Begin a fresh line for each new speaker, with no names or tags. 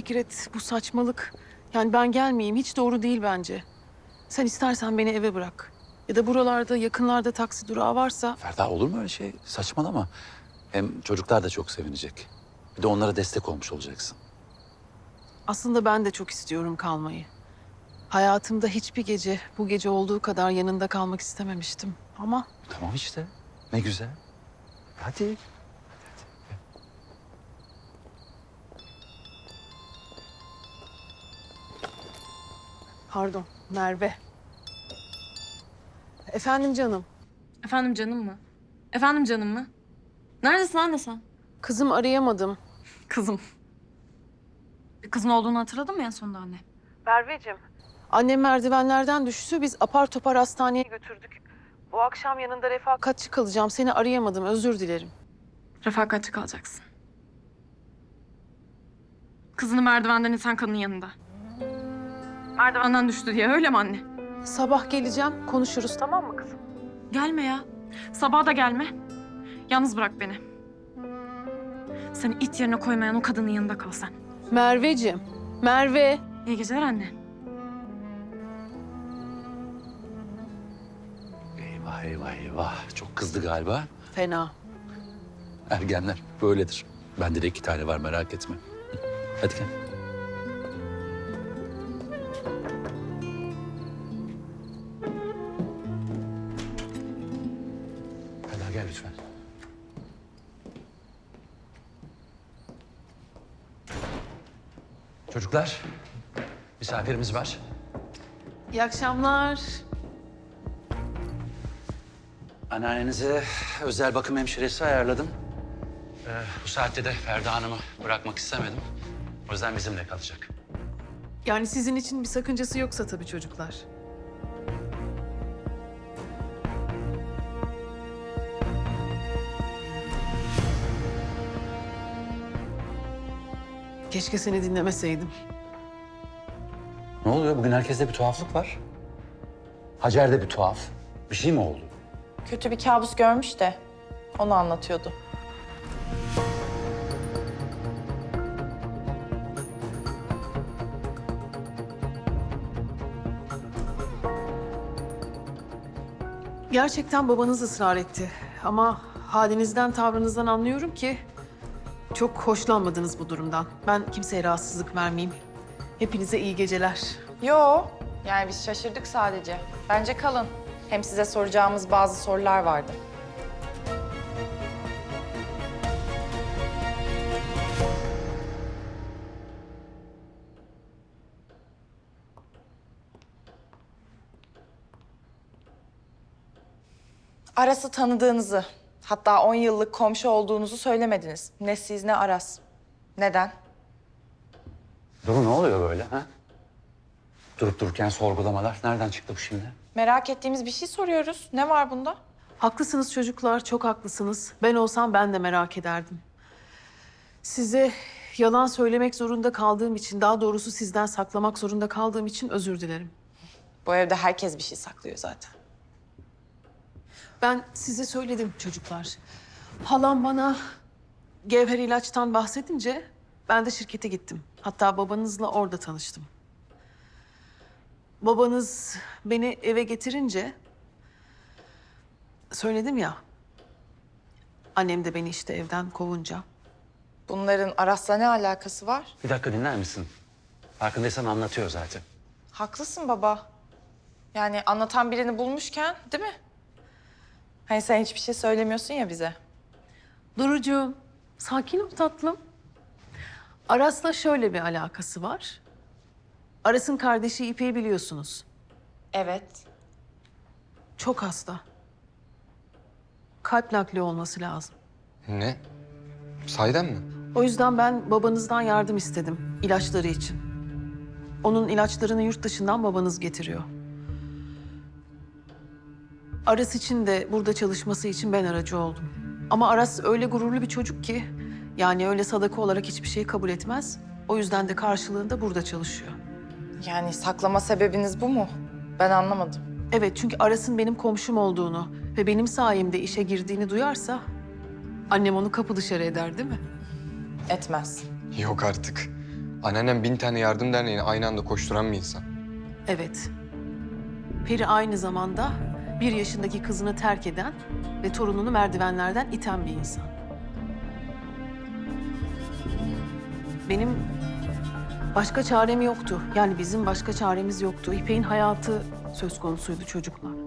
Fikret, bu saçmalık. Yani ben gelmeyeyim, hiç doğru değil bence. Sen istersen beni eve bırak. Ya da buralarda, yakınlarda taksi durağı varsa...
Ferda olur mu öyle şey? Saçmalama. Hem çocuklar da çok sevinecek. Bir de onlara destek olmuş olacaksın.
Aslında ben de çok istiyorum kalmayı. Hayatımda hiçbir gece bu gece olduğu kadar yanında kalmak istememiştim. Ama
Tamam işte. Ne güzel. Hadi.
pardon, Merve. Efendim canım.
Efendim canım mı? Efendim canım mı? Neredesin anne sen?
Kızım arayamadım.
Kızım. Bir kızın olduğunu hatırladın mı en sonunda anne?
Merveciğim. Annem merdivenlerden düştü. Biz apar topar hastaneye götürdük. Bu akşam yanında refakatçi kalacağım. Seni arayamadım. Özür dilerim.
Refakatçi kalacaksın. Kızını merdivenden iten kadının yanında. Merdivenden düştü diye öyle mi anne?
Sabah geleceğim. Konuşuruz, tamam mı kızım?
Gelme ya. Sabaha da gelme. Yalnız bırak beni. Seni it yerine koymayan o kadının yanında kal sen.
Merveciğim. Merve.
İyi geceler anne.
Eyvah eyvah eyvah. Çok kızdı galiba.
Fena.
Ergenler böyledir. Bende de 2 tane var, merak etme. Hadi gel. Ferda gel lütfen. Çocuklar, misafirimiz var.
İyi akşamlar.
Anneannenize özel bakım hemşiresi ayarladım. Bu saatte de Ferda Hanım'ı bırakmak istemedim. O yüzden bizimle kalacak.
Yani sizin için bir sakıncası yoksa tabii çocuklar. Keşke seni dinlemeseydim.
Ne oluyor? Bugün herkeste bir tuhaflık var. Hacer'de bir tuhaf. Bir şey mi oldu?
Kötü bir kabus görmüş de onu anlatıyordu.
Gerçekten babanız ısrar etti. Ama halinizden, tavrınızdan anlıyorum ki çok hoşlanmadınız bu durumdan. Ben kimseye rahatsızlık vermeyeyim. Hepinize iyi geceler.
Yo, yani biz şaşırdık sadece. Bence kalın. Hem size soracağımız bazı sorular vardı. Aras'ı tanıdığınızı, hatta 10 yıllık komşu olduğunuzu söylemediniz. Ne siz ne Aras. Neden?
Duru ne oluyor böyle ha? Durup dururken sorgulamalar. Nereden çıktı bu şimdi?
Merak ettiğimiz bir şey soruyoruz. Ne var bunda?
Haklısınız çocuklar, çok haklısınız. Ben olsam ben de merak ederdim. Size yalan söylemek zorunda kaldığım için, daha doğrusu sizden saklamak zorunda kaldığım için özür dilerim.
Bu evde herkes bir şey saklıyor zaten.
Ben size söyledim çocuklar. Halam bana Gevher ilaçtan bahsedince ben de şirkete gittim. Hatta babanızla orada tanıştım. Babanız beni eve getirince söyledim ya. Annem de beni işte evden kovunca.
Bunların Aras'la ne alakası var?
Bir dakika dinler misin? Farkındaysan anlatıyor zaten.
Haklısın baba. Yani anlatan birini bulmuşken, değil mi? Hani sen hiçbir şey söylemiyorsun ya bize.
Durucuğum, sakin ol tatlım. Aras'la şöyle bir alakası var. Aras'ın kardeşi İpek'i biliyorsunuz.
Evet.
Çok hasta. Kalp nakli olması lazım.
Ne? Sahiden mi?
O yüzden ben babanızdan yardım istedim ilaçları için. Onun ilaçlarını yurt dışından babanız getiriyor. Aras için de burada çalışması için ben aracı oldum. Ama Aras öyle gururlu bir çocuk ki... yani öyle sadaka olarak hiçbir şey kabul etmez. O yüzden de karşılığında burada çalışıyor.
Yani saklama sebebiniz bu mu? Ben anlamadım.
Evet, çünkü Aras'ın benim komşum olduğunu ve benim sayemde işe girdiğini duyarsa... annem onu kapı dışarı eder değil mi?
Etmez.
Yok artık. Anneannem 1000 tane yardım derneğini aynı anda koşturan bir insan.
Evet. Peri aynı zamanda 1 yaşındaki kızını terk eden ve torununu merdivenlerden iten bir insan. Benim başka çarem yoktu. Yani bizim başka çaremiz yoktu. İpek'in hayatı söz konusuydu çocuklar.